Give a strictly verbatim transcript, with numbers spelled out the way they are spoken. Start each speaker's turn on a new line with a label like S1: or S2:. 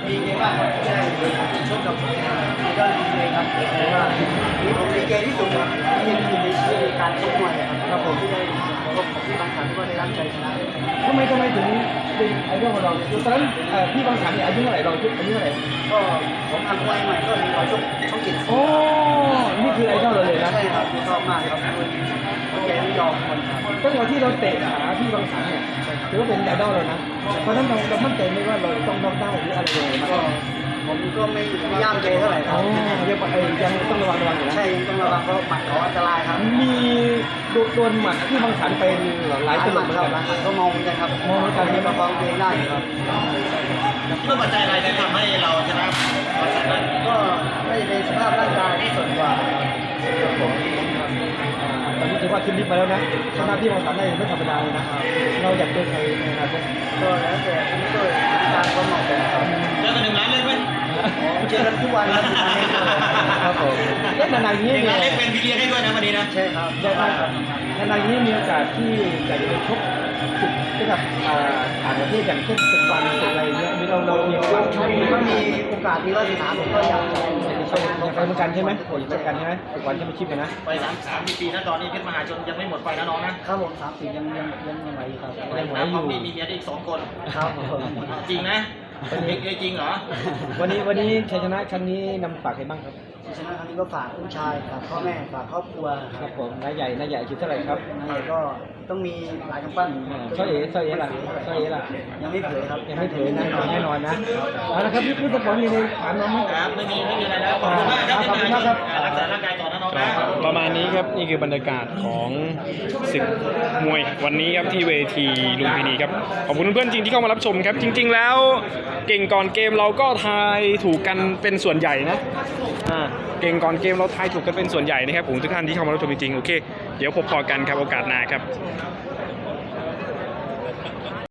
S1: ดีใจมากครับที่ได้ชกกับยอดดีเจครับเพราะว่าที่ผมดีใจที่สุดครับที่มีในชีวิตการชกมวยครับครับผมที่ได้พบกับพี่บางสันก็ได้รับใจชนะ
S2: ทำไมทำไมถึงเป็นไอดอลของเราตอนนั้นพี่บางสันเนี่ยอายุเท่าไหร่เราอายุเท่าไหร่
S1: ก็ผมทำมวยใหม่ก็มีเราชกชกกิน
S2: โอ้นี่คือไอดอลเราเลยนะ
S1: ใช่ครับชอบมากครับแกไม่ยอมคนครับ
S2: ตั้งแต่ที่เราเตะขาพี่บางสันเนี่ยถือว่าเป็นไอดอลเรานะเพราะนั้นเราเรามั่นใจไหมว่าเราต้องต้องได้หรืออะไรเลย
S1: ก็ผมก็ไม่ไม่ย่ามใจเท่าไหร่ครับ
S2: ยังยังต้องระวังระวังอยู่นะ
S1: ใช่ต้องระวังเพราะหมัดเขาอันตรายครับ
S2: มีโดนหมัดที่บางสันเป็นหลายตลบเหมือนกัน
S1: ก็มองเหมือนกันครับ
S2: มองเหมือนกัน
S1: ที่มาฟังเพลงได้ครับ
S3: คิดว่าปัจจัยอะไรที่ทำให้เราชนะบางสันได้
S1: ก็ไม่เป็นสภาพร่างกายที่ส่วนกว่าผม
S2: ตอนนี้ถือว่าขึ้นลิฟต์มาแล้วนะชนะพี่บางสันได้ไม่ธรรมดาเลยนะเราอยากเจอใครในอนาคต
S1: ก็แล้วแต่ที่ก็การความเหมาะสมครับ
S3: เจอกันหนึ่งล้านเล็กไหม
S1: เจอกันทุกวันครับ
S2: ครับผมเล่นนานๆนี้
S3: หนึ่งล้านเล็กเป็นพี่เลี้ยงให้ด้วยนะวันนี้นะ
S1: ใช่ครับ
S2: ได้มากครับนานๆนี้มีโอกาสที่จะไปชกศึกกับต่างประเทศอย่างเช่นศึกวันศึกอะไรเงี้ยมีเราเรามีความชอบ
S1: ถ้ามีโอกาสมีวาสนาผมก็อยากจะ
S2: ไปชกไปเหมือนกันใช่ไหมผมเหมือนกันใช่ไหมศึกวันจะไม่ชิปนะ
S3: ไปสามสามปีนะตอนนี้เพชรมหาชนยังไม่หมดไฟนะน้องนะครับ
S1: ผมสามสิบยังยังยังยังไหวครับ
S3: ยังไหวอยู่มีมีเมียอีกสองคน
S1: ครับ
S3: จริงนะจริงเหรอ
S2: วันนี้วันนี้ชัยชนะครั้งนี้นำฝากใครบ้างครับ
S1: ชัยชนะครั้งนี้ก็ฝากผู้ชายฝากพ่อแม่ฝากครอบครัว
S2: ครับผมนายใหญ่นายใหญ่คิดเท่าไหร่ครับ
S1: นายใหญ่ก็ต้องมีหลายกำปั้น
S2: ช่วยเอ๋ช่วยเอ๋ล่ะช่วยเอ๋ล่ะ
S1: ยังไม่เผยครับ
S2: ยังไม่เผยแน่นอนแน่นอนนะเอาละครับพี่พูดสปอนมีในถามน้องไหม
S3: ครับไม่มีไม่มีอะไรแล้วขอบคุณมากครับขอบคุณมากครับรักษาร่างกายต่อนะน้องนะ
S4: ประมาณนี้ครับนี่คือบรรยากาศของศึกมวยวันนี้ครับที่เวทีลุมพินีครับขอบคุณเพื่อนๆจริงที่เข้ามารับชมครับจริงๆแล้วเก่งก่อนเกมเราก็ทายถูกกันเป็นส่วนใหญ่นะอ่าเก่งก่อนเกมเราทายถูกกันเป็นส่วนใหญ่นะครับผมทุกท่านที่เข้ามารับชมจริงๆโอเคเดี๋ยวพบพอกันครับโอกาสหน้าครับ